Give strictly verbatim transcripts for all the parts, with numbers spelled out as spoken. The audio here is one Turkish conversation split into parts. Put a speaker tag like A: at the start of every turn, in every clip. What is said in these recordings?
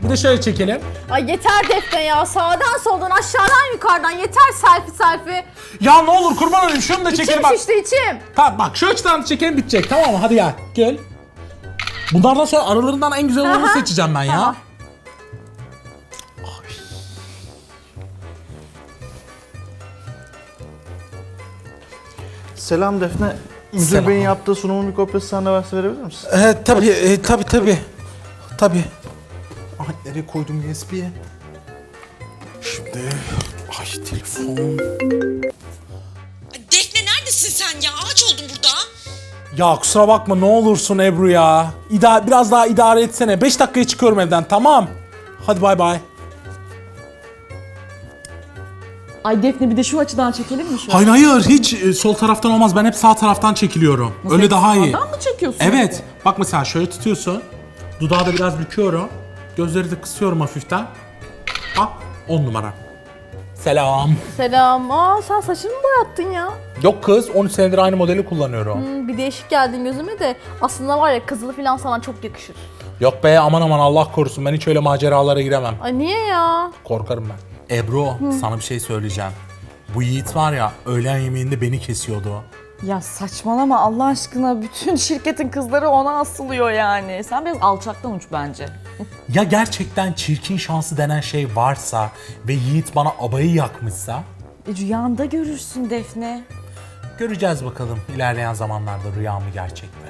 A: Bir de şöyle çekelim.
B: Ay yeter Defne ya. Sağdan soldan aşağıdan yukarıdan yeter selfie selfie.
A: Ya ne olur kurban olayım şunu da çekelim
B: İçim
A: bak.
B: şişti içim.
A: Tamam bak şu açıdan çekelim bitecek tamam mı? Hadi gel. Gel. Bunlardan sonra aralarından en güzel olanı
B: Aha.
A: seçeceğim ben ya.
B: Tamam.
C: Selam Defne. Müdür
A: Selam.
C: Bey'in yaptığı sunumun bir kopyası sana varsa verebilir misin?
A: Evet tabii e, tabii tabii. Tabii. Ay nereye koydum U S B'ye? Şimdi ay telefon.
D: Defne neredesin sen ya? Ağaç oldun burada.
A: Ya kusura bakma ne olursun Ebru ya. İda biraz daha idare etsene. beş dakikaya çıkıyorum evden tamam. Hadi bay bay.
E: Ay Defne bir de şu açıdan çekelim mi şöyle?
A: Hayır hayır hiç e, sol taraftan olmaz. Ben hep sağ taraftan çekiliyorum.
E: Nasıl,
A: Öyle daha iyi.
E: sağdan mı çekiyorsun?
A: Evet. Bak mesela şöyle tutuyorsun. Dudağı da biraz büküyorum. Gözleri de kısıyorum hafiften. Bak on numara. Selam.
B: Selam. Aa sen saçını mı boyattın ya?
A: Yok kız on üç senedir aynı modeli kullanıyorum.
B: Hmm, bir değişik geldin gözüme de. Aslında var ya kızılı falan sana çok yakışır.
A: Yok be aman aman Allah korusun ben hiç öyle maceralara giremem.
B: Ay niye ya?
A: Korkarım ben. Ebru sana bir şey söyleyeceğim. Bu Yiğit var ya öğlen yemeğinde beni kesiyordu.
E: Ya saçmalama Allah aşkına, bütün şirketin kızları ona asılıyor yani. Sen biraz alçaktan uç bence.
A: Ya gerçekten çirkin şansı denen şey varsa ve Yiğit bana abayı yakmışsa
E: E, rüyanda görürsün Defne.
A: göreceğiz bakalım ilerleyen zamanlarda rüya mı gerçek mi?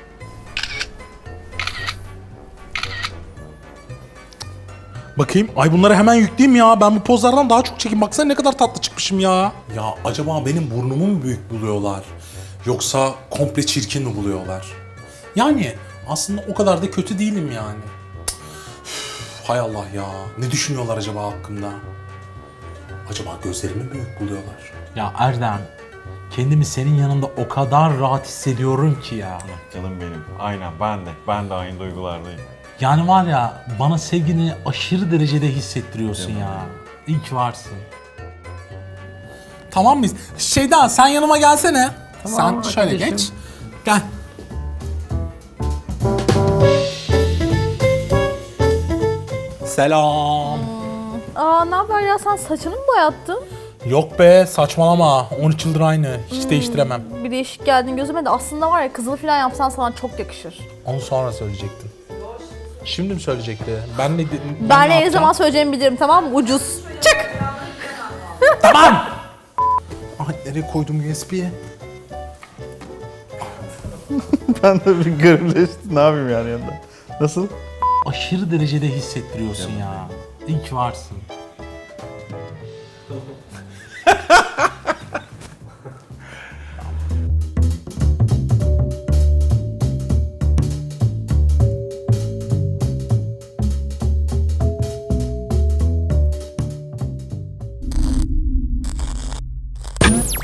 A: Bakayım. Ay bunları hemen yükleyeyim ya. Ben bu pozlardan daha çok çekeyim. Baksana ne kadar tatlı çıkmışım ya. Ya acaba benim burnumu mu büyük buluyorlar? Yoksa komple çirkin mi buluyorlar? Yani aslında o kadar da kötü değilim yani. Üf, hay Allah ya. Ne düşünüyorlar acaba hakkımda? Acaba gözlerimi mi büyük buluyorlar? Ya Erdem, kendimi senin yanında o kadar rahat hissediyorum ki ya.
F: Canım benim. Aynen ben de. Ben de aynı duygulardayım.
A: Yani var ya bana sevgini aşırı derecede hissettiriyorsun ya. İyi ki varsın. Tamam mıyız? Şeyda sen yanıma gelsene.
B: Tamam,
A: sen şöyle
B: arkadaşım.
A: geç. Gel. Selam.
B: Aa ne haber ya, sen saçını mı boyattın?
A: Yok be saçmalama. on üç yıldır aynı. Hiç değiştiremem.
B: Bir değişik geldin gözüme de. Aslında var ya kızılı falan yapsan sana çok yakışır.
A: Onu sonra söyleyecektim. Şimdi mi söyleyecekti? Ben ne, ben
B: Ben
A: ne
B: ne
A: yapacağım?
B: zaman söyleyeceğimi bilirim, tamam mı? Ucuz. Çık!
A: Tamam. Ay nereye koydum U S B'ye?
C: Ben de bir garipleştim. Ne yapayım yani yanında? Nasıl?
A: Aşırı derecede hissettiriyorsun ya. İyi ki varsın.